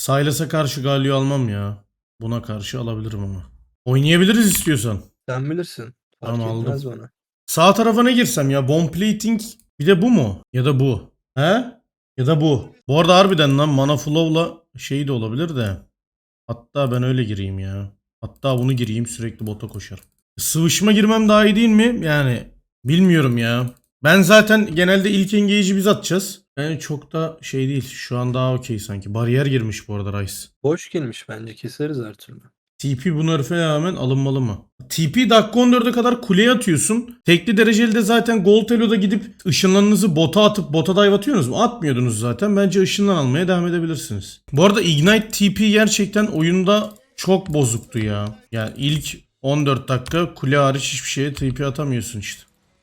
Sylas'a karşı Galio almam ya. Buna karşı alabilirim ama. Oynayabiliriz istiyorsan. Sen bilirsin. Fark Tamam aldım. etmez bana. Sağ tarafa ne girsem ya? Bomb plating bir de bu mu? Ya da bu. He? Ya da bu. Bu arada harbiden lan mana flow'la şey de olabilir de. Hatta ben öyle gireyim ya. Hatta bunu gireyim sürekli bota koşarım. Sıvışma girmem daha iyi değil mi? Yani bilmiyorum ya. Ben zaten genelde ilk engage'i biz atacağız. Yani çok da şey değil. Şu an daha okey sanki. Bariyer girmiş bu arada Ryze. Boş girmiş bence. Keseriz her türlü. TP bu nerf'e rağmen alınmalı mı? TP dakika 14'e kadar kuleye atıyorsun. Tekli dereceli de zaten Gold Elo'da gidip ışınlarınızı bota atıp bota dive atıyorsunuz mu? Atmıyordunuz zaten. Bence ışınlan almaya devam edebilirsiniz. Bu arada Ignite TP gerçekten oyunda çok bozuktu ya. Yani ilk 14 dakika kule hariç hiçbir şeye TP atamıyorsun işte.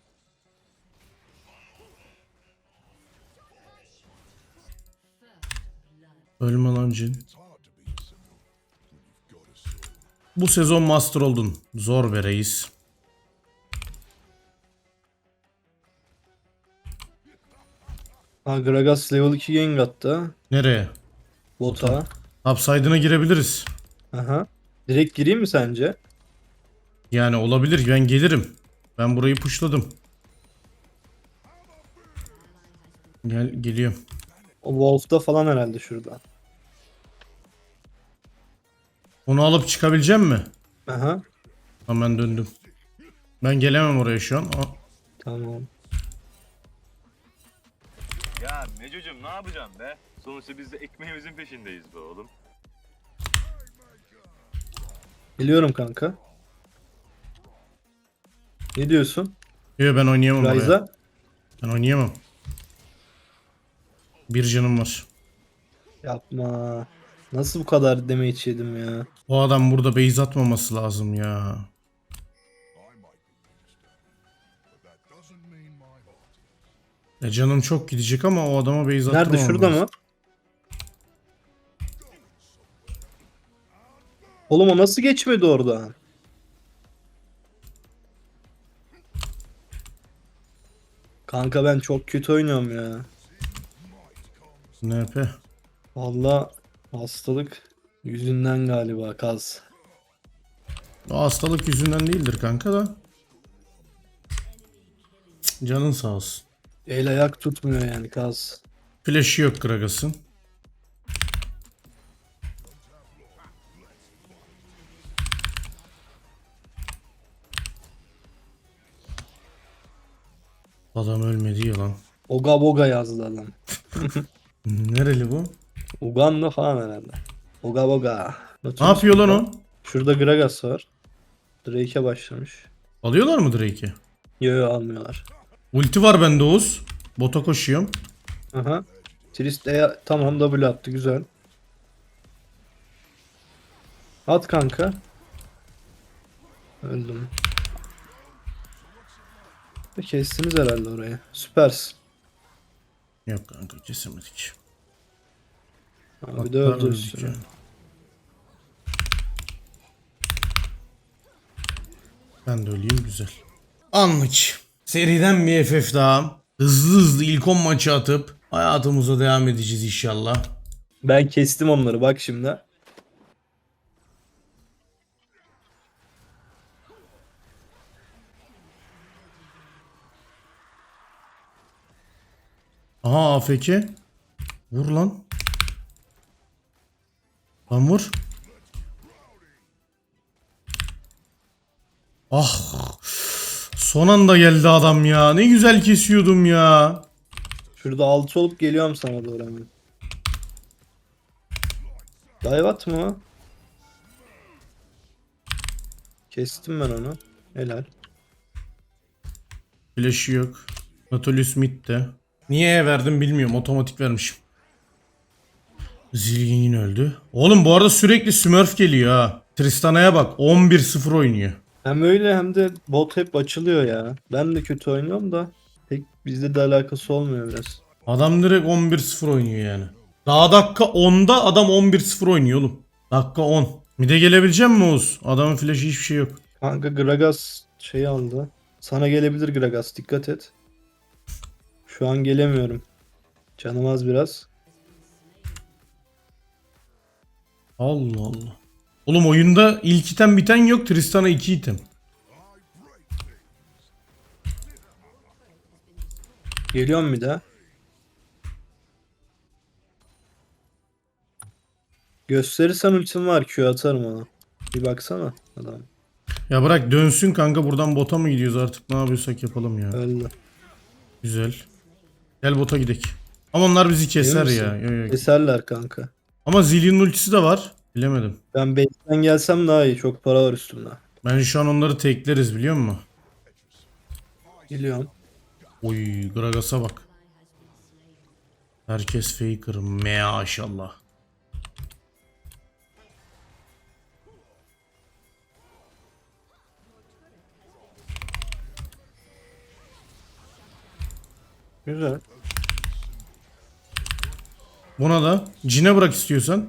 Ölme lan Jhin. Bu sezon master oldun. Zor be reis. Ha, Gragas level 2 gank attı. Nereye? Bota. Upside'ına girebiliriz. Aha. Direkt gireyim mi sence? Yani olabilir. Ben gelirim. Ben burayı pushladım. Geliyorum. O Wolf'da falan herhalde şurada. Onu alıp çıkabileceğim mi? Aha. Hemen döndüm. Ben gelemem oraya şu an. Tamam. Ya Meco'cum ne yapacaksın be? Sonuçta biz de ekmeğimizin peşindeyiz be oğlum. Biliyorum kanka. Ne diyorsun? Yok ben oynayamam oraya. Ryza? Ben oynayamam. Bir canım var. Yapma. Nasıl bu kadar damage yedim ya? O adam burada base atmaması lazım ya. Canım çok gidecek ama o adama base attırmam Nerede? Şurada lazım. mı? Oğlum o nasıl geçmedi oradan? Kanka ben çok kötü oynuyorum ya. NP. Valla hastalık yüzünden galiba kaz. O hastalık yüzünden değildir kanka da. Canın sağ olsun. El ayak tutmuyor yani kaz. Flash'ı yok Gragas'ın. Adam ölmedi ya lan. Oga boga yazdı adam. Nereli bu? Uganda falan herhalde. Oga boga. Ne yapıyor lan o? Şurada Gragas var. Drake'e başlamış. Alıyorlar mı Drake'i? Yo yo almıyorlar. Ulti var bende Oğuz. Bota koşuyorum. Aha. Trist tamam W attı güzel. At kanka. Öldüm. Kestiniz herhalde orayı. Süpersin. Yok kanka kesemedik. Abi de Hatta öldü öldük üstüne. yani. Ben de öleyim güzel. Anlık. Seriden bir FF daha. Hızlı hızlı ilk 10 maçı atıp hayatımıza devam edeceğiz inşallah. Ben kestim onları bak şimdi. Aha AFK. Vur lan. Lan vur. Ah. Son anda geldi adam ya. Ne güzel kesiyordum ya. Şurada 6 olup geliyorum sana doğru hemen. Dive atma. Kestim ben onu. Helal. Flash'ı yok. Nautilus mid de. Niye verdim bilmiyorum. Otomatik vermişim. Zilgin yine öldü. Oğlum bu arada sürekli Smurf geliyor ha. Tristana'ya bak 11-0 oynuyor. Hem öyle hem de bot hep açılıyor ya. Ben de kötü oynuyorum da pek bizde de alakası olmuyor biraz. Adam direkt 11-0 oynuyor yani. Daha dakika 10'da adam 11-0 oynuyor oğlum. Dakika 10. Mide gelebilecek mi Oğuz? Adamın flash'ı hiçbir şey yok. Kanka Gragas şey aldı. Sana gelebilir Gragas dikkat et. Şu an gelemiyorum. Canım az biraz. Allah Allah. Oğlum oyunda ilk item biten yok. Tristan'a 2 item. Geliyorum bir daha. Gösterirsen ultim var. Q atarım ona. Bir baksana adam. Ya bırak dönsün kanka, buradan bota mı gidiyoruz artık, ne yapıyorsak yapalım ya. Öldü. Güzel. Gel bota gidelim. Ama onlar bizi keser Emin ya. misin? Yo, yo. Keserler kanka. Ama Zillion'un ultisi de var. Bilemedim. Ben base'den gelsem daha iyi. Çok para var üstümde. Ben şu an onları tekleriz biliyor musun? Geliyorum. Oy Gragas'a bak. Herkes faker. Maşallah. Güzel. Buna da Cine bırak istiyorsan.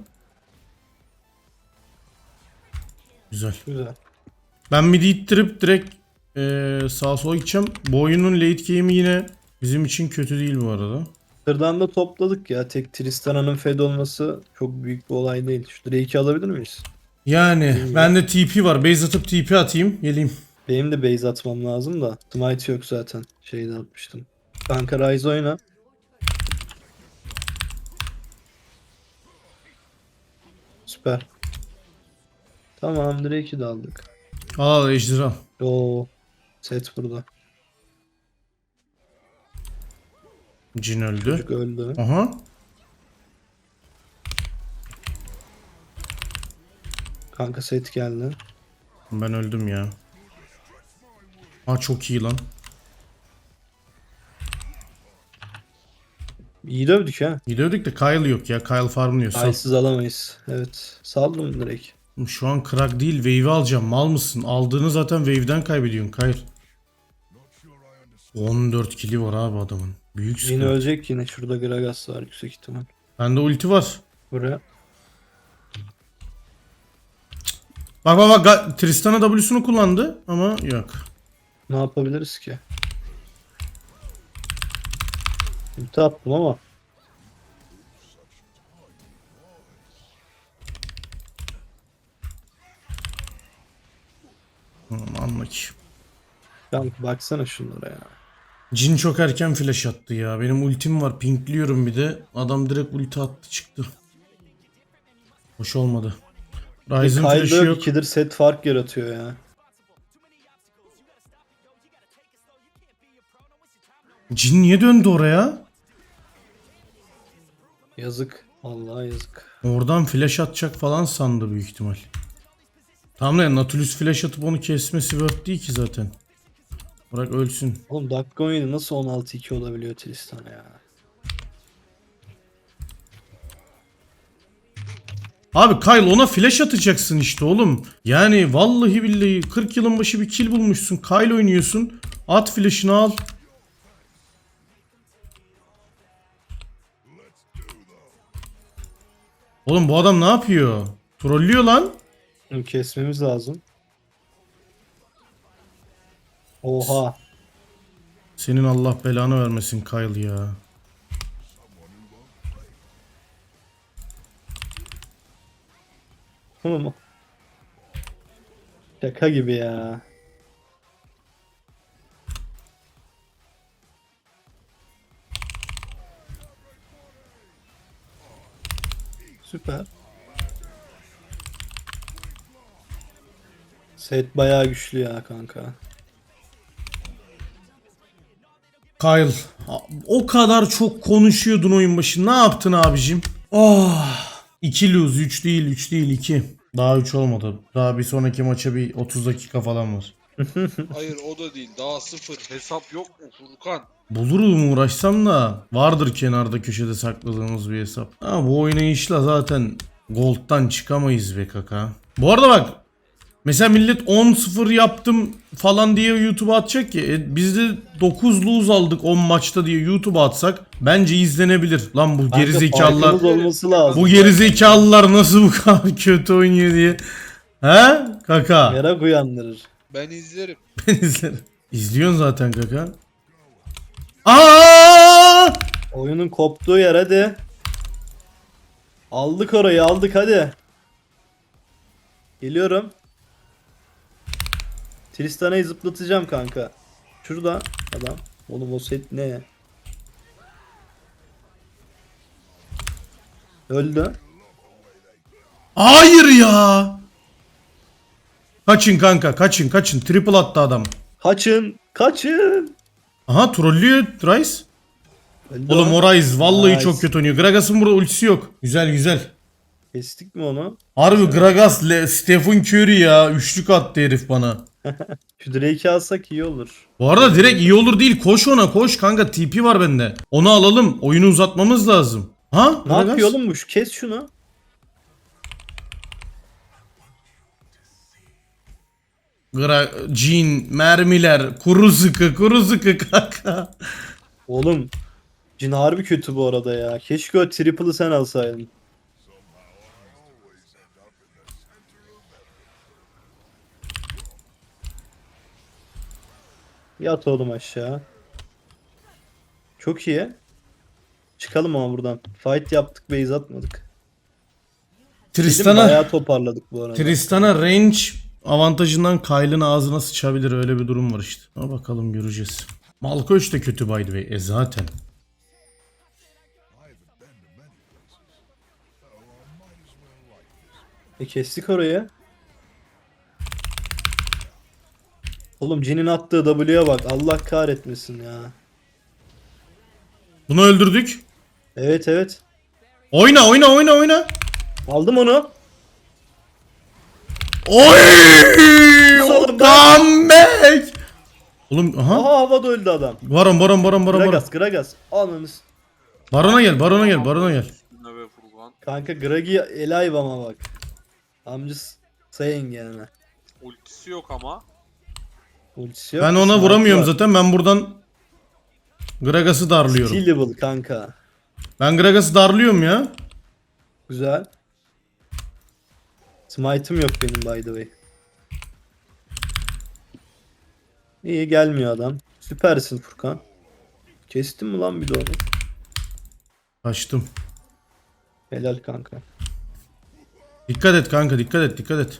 Güzel. Güzel. Ben midi ittirip direkt sağa sola gideceğim. Bu oyunun late game'i yine bizim için kötü değil bu arada. Sırdan da topladık ya. Tek Tristana'nın fed olması çok büyük bir olay değil. Şu Drake'i alabilir miyiz? Yani bende TP var. Base atıp TP atayım. Geleyim. Benim de base atmam lazım da. Smite yok zaten. Şeyde atmıştım. Kanka Ryze oyna. Süper. Tamam Drake'i de aldık. Al ejderha. Oo. Set burada. Jin öldü. Çocuk öldü. Aha. Kanka set geldi. Ben öldüm ya. Aa çok iyi lan. İyi dövdük ha. Gidiyorduk da Kyle yok ya. Kyle farmlıyor. Sal. Aysiz alamayız. Evet. Saldım direkt. Şu an crack değil. Wave'i alacağım. Mal mısın? Aldığını zaten wave'den kaybediyorsun. Kyle. 14 kili var abi adamın. Büyük Yine sıkıntı. ölecek yine. Şurada Gragas var yüksek ihtimal. Bende ulti var. Buraya. Bak bak bak. Tristana W'sunu kullandı. Ama yok. Ne yapabiliriz ki? Ulti attım ama. Anla ki. Kanka baksana şunlara ya. Jin çok erken flash attı ya. Benim ultim var. Pinkliyorum bir de. Adam direkt ulti attı çıktı. Hoş olmadı. Ryze'ın flash'ı Kyle yok. 2'dir set fark yaratıyor ya. Jin niye döndü oraya? Yazık. Vallahi yazık. Oradan flash atacak falan sandı büyük ihtimal. Tamam da Nautilus flash atıp onu kesmesi worth değil ki zaten. Bırak ölsün. Oğlum dakika 17 nasıl 16-2 olabiliyor Tristan ya? Abi Kyle ona flash atacaksın işte oğlum. Yani vallahi billahi 40 yılın başı bir kill bulmuşsun. Kyle oynuyorsun. At flash'ını al. Oğlum bu adam ne yapıyor? Trollüyor lan. Bunu kesmemiz lazım. Oha. Senin Allah belanı vermesin Kyle ya. Tamam. Şaka gibi ya. Süper. Set bayağı güçlü ya kanka. Kyle o kadar çok konuşuyordun oyun başı. Ne yaptın abicim? Oh. 2 lose 3 değil 3 değil 2. Daha 3 olmadı. Daha bir sonraki maça bir 30 dakika falan var. Hayır o da değil. Daha sıfır. Hesap yok mu Furkan? Bulurum uğraşsam da vardır kenarda köşede sakladığımız bir hesap. Ha, bu oynayışla zaten Gold'dan çıkamayız be kaka. Bu arada bak mesela millet 10-0 yaptım falan diye YouTube'a atacak ki biz de 9 lose aldık 10 maçta diye YouTube'a atsak bence izlenebilir. Lan bu Kanka gerizekalılar farkımız olması lazım. bu gerizekalılar nasıl bu kadar kötü oynuyor diye. He kaka? Merak uyandırır. Ben izlerim. Ben izlerim. İzliyorsun zaten kaka. Aa! Oyunun koptuğu yer hadi. Aldık orayı aldık hadi. Geliyorum. Tristana'yı zıplatacağım kanka. Şurada adam. Oğlum o set ne? Öldü. Hayır ya. Kaçın kanka, kaçın. Triple attı adam. Kaçın. Kaçın. Aha, trollüyor Rice. Öldü Oğlum o. o Rice vallahi Nice. çok kötü oynuyor. Gragas'ın burada ultisi yok. Güzel. Kestik mi onu? Harbi Gragas, Stephen Curry ya. Üçlük attı herif bana. Şu Drake'i alsak iyi olur. Bu arada direkt iyi olur değil. Koş ona koş kanka. TP var bende. Onu alalım. Oyunu uzatmamız lazım. Ha? Ne yapıyor oğlum bu? Kes şunu. Jean, mermiler, kuru sıkı kanka. Oğlum. Jhin harbi kötü bu arada ya. Keşke o triple'ı sen alsaydın. Yat oğlum aşağı. Çok iyi. Çıkalım ama buradan. Fight yaptık, base atmadık. Tristan'a Bayağı toparladık bu arada. Tristana range avantajından Kyle'ın ağzına sıçabilir, öyle bir durum var işte. Ama bakalım göreceğiz. Malkoç da kötü by the way. Zaten. Kestik orayı. Oğlum Jin'in attığı W'ye bak. Allah kahretmesin ya. Bunu öldürdük. Evet. Oyna. Aldım onu. Oy! Oğlum Comeback! Oğlum aha. Aha havada öldü adam. Baron. Gragas. Ananız. Barona gel. Üstüne ve Furkan. Kanka Gragi alive ama bak. I'm just saying yani. Ultisi yok ama. Ultisi yok. Ben ona Smite vuramıyorum var. zaten. Ben buradan Gragas'ı darlıyorum. Stealable kanka. Ben Gragas'ı darlıyorum ya. Güzel. Smite'ım yok benim by the way. İyi gelmiyor adam. Süpersin Furkan. Kestin mi lan bir de onu? Kaçtım. Helal kanka. Dikkat et kanka, dikkat et.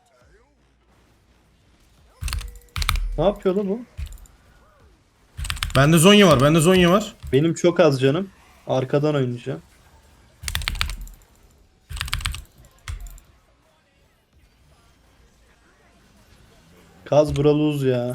Ne yapıyor lan bu? Bende Zonya var. Benim çok az canım. Arkadan oynayacağım. Kaz buraluz ya.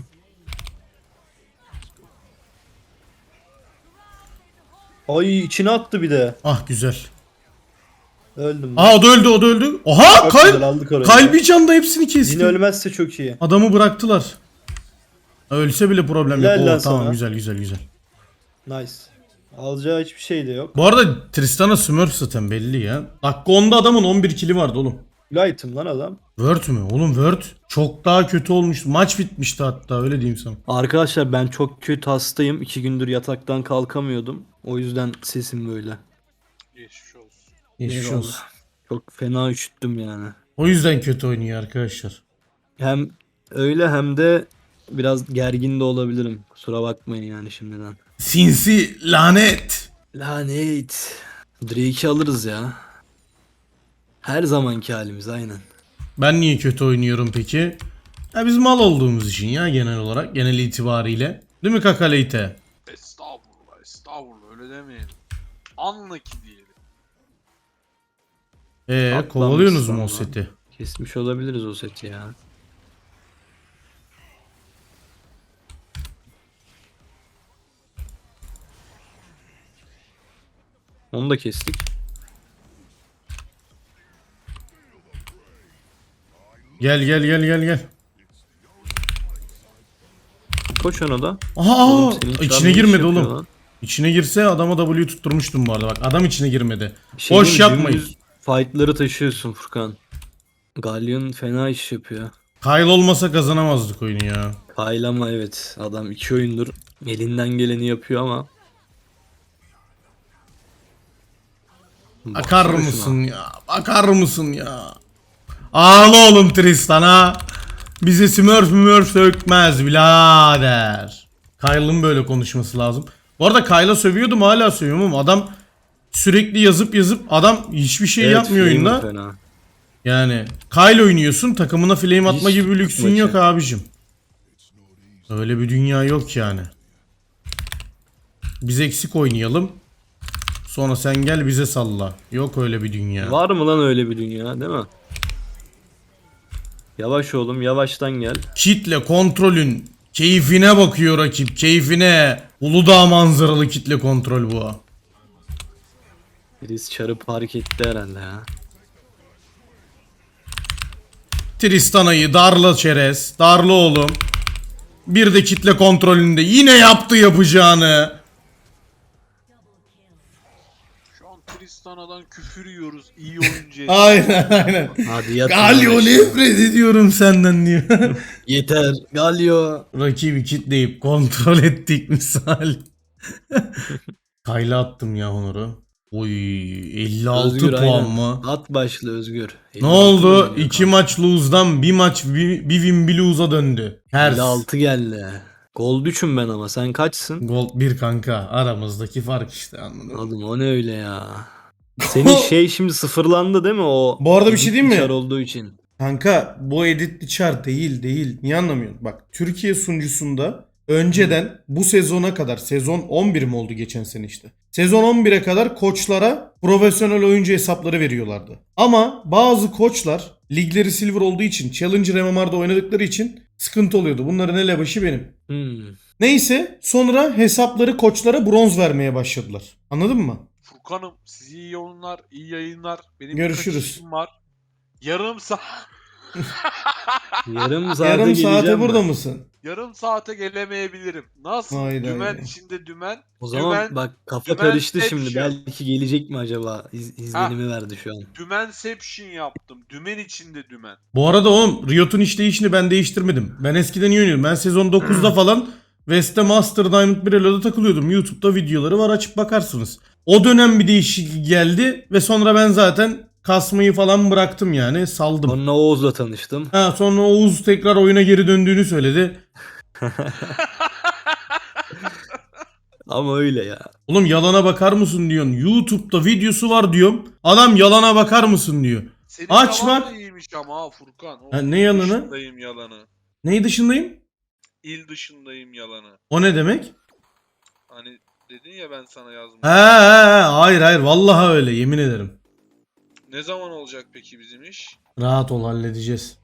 Ay içine attı bir de. Ah güzel. Öldüm. ben. Aa o da öldü. Oha Çok güzel aldık orayı. Kalbi canda hepsini kesti. Yine ölmezse çok iyi. Adamı bıraktılar. Ölse bile problem Helal yok. lan Oh, tamam sana. güzel. Nice. Alacağı hiçbir şey de yok. Bu arada Tristana Smurf zaten belli ya. Dakika 10'da adamın 11 kili vardı oğlum. Light'ım lan adam. Word mü? Oğlum Word çok daha kötü olmuştu. Maç bitmişti hatta, öyle diyeyim sana. Arkadaşlar ben çok kötü hastayım. 2 gündür yataktan kalkamıyordum. O yüzden sesim böyle. Geçmiş olsun. Geçmiş Eyvallah. olsun. Çok fena üşüttüm yani. O yüzden kötü oynuyor arkadaşlar. Hem öyle hem de biraz gergin de olabilirim. Kusura bakmayın yani şimdiden. Sinsi lanet. Lanet. Drake'i alırız ya. Her zamanki halimiz aynen. Ben niye kötü oynuyorum peki? Ya biz mal olduğumuz için ya, genel olarak, genel itibariyle. Değil mi Kakaleyte? Estağfurullah öyle demeyin. Anla ki diyelim. Kovalıyorsunuz mu o Atlamışsın seti? Kesmiş olabiliriz o seti ya. Onu da kestik. Gel. Koş ona da. Aha Oğlum senin içine çarpı iş girmedi yapıyor oğlum. lan. İçine girse adama W tutturmuştum bu arada. Bak adam içine girmedi. Bir şey Boş diyeyim mi? yapmayın. Dümdüz fight'ları taşıyorsun Furkan. Galleon fena iş yapıyor. Kyle olmasa kazanamazdık oyunu ya. Kyle ama evet adam 2 oyundur elinden geleni yapıyor ama. Bakar Baksana mısın ya? Ağla oğlum Tristan'a. Bize Smurf sökmez birader. Kyle'ın böyle konuşması lazım. Bu arada Kyle'a sövüyordum, hala sövüyorum ama adam sürekli yazıp adam hiçbir şey Evet, yapmıyor Flamer oyunda. fena. Yani Kyle oynuyorsun, takımına flame atma Hiç gibi bir lüksün maçı. yok abicim. Öyle bir dünya yok yani. Biz eksik oynayalım. Sonra sen gel bize salla. Yok öyle bir dünya. Var mı lan öyle bir dünya, değil mi? Yavaş oğlum, yavaştan gel. Kitle kontrolün keyfine bakıyor rakip. Keyfine. Uludağ manzaralı kitle kontrol bu. Birisi çarı park etti herhalde ya. Tristana'yı darla çerez. Darla oğlum. Bir de kitle kontrolünde yine yaptı yapacağını. Şu an Tristana'dan küfür yiyoruz. İyi oyuncu. Aynen aynen. Hadi yat. Galio nefret ediyorum senden diyor. Yeter. Galio. Rakibi kitleyip kontrol ettik misal. Kayla attım ya Honor'u. Oy 56 Özgür puan aynen. mı? At başlı Özgür. Ne oldu? 2 maç lose'dan bir maç bir win bir lose'a döndü. Ters. 56 geldi. Gold 3'üm ben ama sen kaçsın? Gold 1 kanka. Aramızdaki fark işte anladın mı? Oğlum o ne öyle ya. Senin şey şimdi sıfırlandı değil mi o? Bu arada bir şey diyeyim mi? Çar olduğu için. Kanka bu editli char değil. Niye anlamıyorsun? Bak Türkiye sunucusunda önceden bu sezona kadar sezon 11 mi oldu geçen sene işte. Sezon 11'e kadar koçlara profesyonel oyuncu hesapları veriyorlardı. Ama bazı koçlar ligleri silver olduğu için Challenger MMR'da oynadıkları için sıkıntı oluyordu. Bunların elebaşı benim. Neyse sonra hesapları koçlara bronz vermeye başladılar. Anladın mı? Furkan'ım size iyi oyunlar, iyi yayınlar. Benim Görüşürüz. birkaç işim var. Yarım saat. Yarım saate Yarım saate geleceğim burada ben. mısın? Yarım saate gelemeyebilirim. Nasıl? Hayda, dümen hayda. içinde dümen. O zaman dümen, bak kafa dümen karıştı şimdi. Inception. Belki gelecek mi acaba? İzlenimi verdi şu an. Dümenception yaptım. Dümen içinde dümen. Bu arada oğlum Riot'un işleyişini ben değiştirmedim. Ben eskiden iyi oynuyordum. Ben sezon 9'da falan West'te Master Diamond 1 Elo'da takılıyordum. YouTube'da videoları var açıp bakarsınız. O dönem bir değişiklik geldi ve sonra ben zaten kasmayı falan bıraktım yani saldım. Sonra Oğuz'la tanıştım. Ha, sonra Oğuz tekrar oyuna geri döndüğünü söyledi. Ama öyle ya. Oğlum yalana bakar mısın diyorsun. YouTube'da videosu var diyorum. Adam yalana bakar mısın diyor. Senin Aç yalan bak. da iyiymiş ama ha Furkan. O Ha, ne yalanı? dışındayım yalanı. Neyi dışındayım? İl dışındayım yalanı. O ne demek? Hani dedin ya ben sana yazdım. Hayır vallahi öyle yemin ederim. Ne zaman olacak peki bizim iş? Rahat ol halledeceğiz.